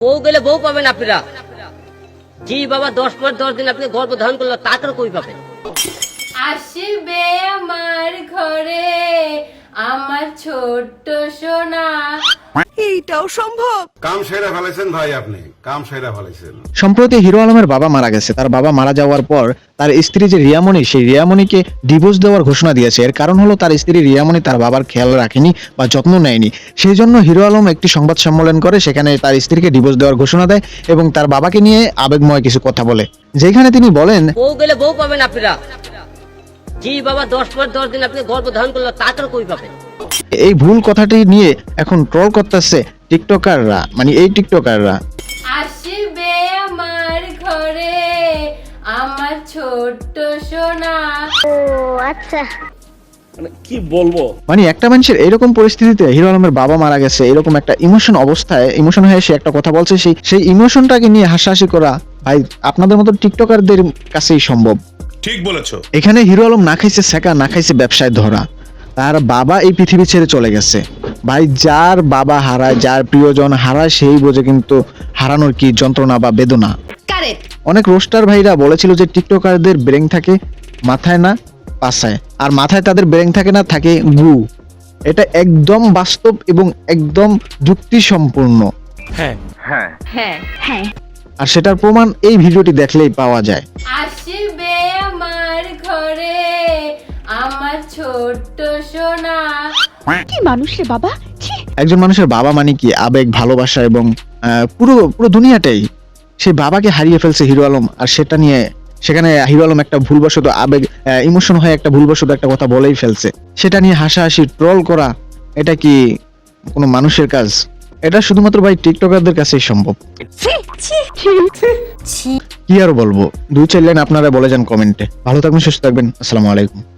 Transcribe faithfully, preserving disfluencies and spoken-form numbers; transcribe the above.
বউ গেলে বউ পাবেন আপনারা। জি বাবা, দশ মাস দশ দিন আপনি গর্ভ ধারণ করলো, তারপরে কই পাবেন? আসবে আমার ঘরে আমার ছোট্ট সোনা। এইটাও সম্ভব? কাম সেরা ফেলেছেন ভাই, আপনি কাম সেরা ফেলেছেন। সম্প্রতি হিরো আলমের বাবা মারা গেছে। তার বাবা মারা যাওয়ার পর তার স্ত্রী যে রিয়ামণি, সেই রিয়ামণিকে ডিভোর্স দেওয়ার ঘোষণা দিয়েছে। এর কারণ হলো তার স্ত্রী রিয়ামণি তার বাবার খেয়াল রাখেনি বা যত্ন নেয়নি। সেই জন্য হিরো আলম একটি সংবাদ সম্মেলন করে, সেখানে তার স্ত্রীকে ডিভোর্স দেওয়ার ঘোষণা দেয় এবং তার বাবাকে নিয়ে আবেগময় কিছু কথা বলে, যেখানে তিনি বলেন, বউ গেলে বউ পাবেন আপনারা। জি বাবা, দশ মাস দশ দিন আপনি গর্ভ ধারণ করলো, তারপরে কই পাবেন? এই ভুল কথাটি নিয়ে এখন ট্রল করতেছে টিকটকাররা, মানে এই টিকটকাররা। আসবে আমার ঘরে আমার ছোট্ট সোনা। কি বলবো, মানে একটা মানুষের এরকম পরিস্থিতিতে হিরো আলমের বাবা মারা গেছে, এরকম একটা ইমোশন অবস্থায় ইমোশন হয়ে সে একটা কথা বলছে, সেই সেই ইমোশনটাকে নিয়ে হাসাহাসি করা ভাই আপনাদের মতো টিকটকারদের কাছেই সম্ভব। ঠিক বলেছো। এখানে হিরো আলম না খাইছে শেখা, না খাইছে ব্যবসায় ধরা। তার বাবা এই পৃথিবী ছেড়ে চলে গেছে। ভাই, যার বাবা হারায়, যার প্রিয়জন হারায়, সেই বোঝে কিন্তু হারানোর কি যন্ত্রণা বা বেদনা। অনেক রোস্টার ভাইরা বলেছিল যে টিকটকারদের ব্রেন থাকে মাথায় না পাছায়, আর মাথায় তাদের ব্রেন থাকে না, থাকে গু। এটা একদম বাস্তব এবং একদম যুক্তি সম্পূর্ণ। হ্যাঁ আর সেটার প্রমাণ এই ভিডিওটি দেখলেই পাওয়া যায়। আসবে আমার ঘরে আমার ছোট্ট সোনা। কি মানুষ রে বাবা, ছি। একজন মানুষের বাবা মানে কি আবেগ, ভালোবাসা এবং আহ, পুরো পুরো দুনিয়াটাই। সেই বাবাকে হারিয়ে ফেলছে হিরো আলম, আর সেটা নিয়ে সেখানে হিরো আলম একটা ভুলবশত আবেগ ইমোশন হয়ে একটা ভুলবশত একটা কথা বলেই ফেলছে, সেটা নিয়ে হাসাহাসি ট্রল করা, এটা কি কোনো মানুষের কাজ? এটা শুধুমাত্র ভাই টিকটকারদের কাছেই সম্ভব। কি আর বলবো, দুই চার লাইন আপনারা বলে যান কমেন্টে। ভালো থাকবেন, সুস্থ থাকবেন, আসসালামু আলাইকুম।